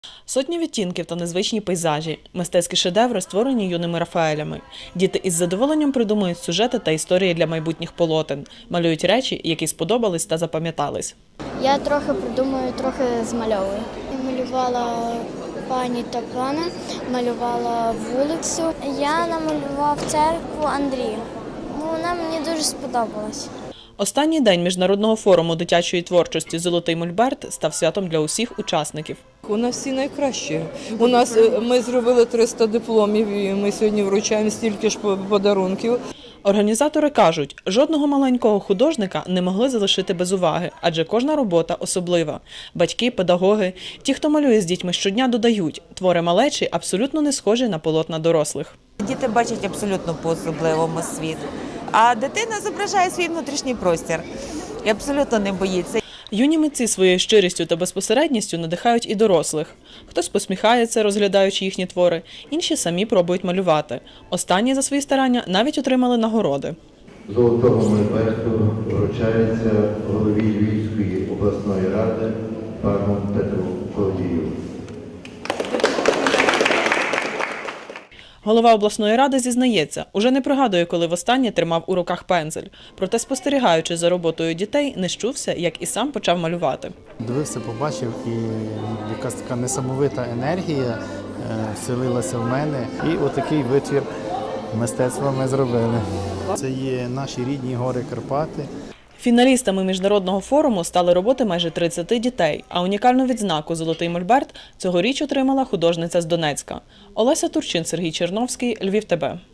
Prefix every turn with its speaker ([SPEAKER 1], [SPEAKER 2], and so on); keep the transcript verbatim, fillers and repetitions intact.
[SPEAKER 1] Сотні відтінків та незвичні пейзажі, мистецькі шедеври, створені юними Рафаелями. Діти із задоволенням придумують сюжети та історії для майбутніх полотен, малюють речі, які сподобались та запам'ятались.
[SPEAKER 2] Я трохи придумую, трохи змальовую. Я малювала пані та пана, малювала вулицю. Я намалював церкву Андрію. Вона мені дуже сподобалась.
[SPEAKER 1] Останній день Міжнародного форуму дитячої творчості «Золотий Мольберт» став святом для усіх учасників.
[SPEAKER 3] У нас всі найкращі. У нас ми зробили триста дипломів і ми сьогодні вручаємо стільки ж подарунків.
[SPEAKER 1] Організатори кажуть, жодного маленького художника не могли залишити без уваги, адже кожна робота особлива. Батьки, педагоги, ті, хто малює з дітьми щодня, додають, твори малечі абсолютно не схожі на полотна дорослих.
[SPEAKER 4] Діти бачать абсолютно по-особливому світ, а дитина зображає свій внутрішній простір і абсолютно не боїться.
[SPEAKER 1] Юні митці своєю щирістю та безпосередністю надихають і дорослих. Хтось посміхається, розглядаючи їхні твори, інші самі пробують малювати. Останні за свої старання навіть отримали нагороди.
[SPEAKER 5] Золотого Мольберту вручається голові Львівської обласної ради пану Петру Колодію.
[SPEAKER 1] Голова обласної ради зізнається, уже не пригадує, коли востаннє тримав у руках пензель. Проте, спостерігаючи за роботою дітей, не щувся, як і сам почав малювати.
[SPEAKER 6] Дивився, побачив, і якась така несамовита енергія вселилася в мене. І отакий витвір мистецтва ми зробили. Це є наші рідні гори Карпати.
[SPEAKER 1] Фіналістами міжнародного форуму стали роботи майже тридцяти дітей, а унікальну відзнаку «Золотий Мольберт» цьогоріч отримала художниця з Донецька. Олеся Турчин, Сергій Черновський, Львів ТБ.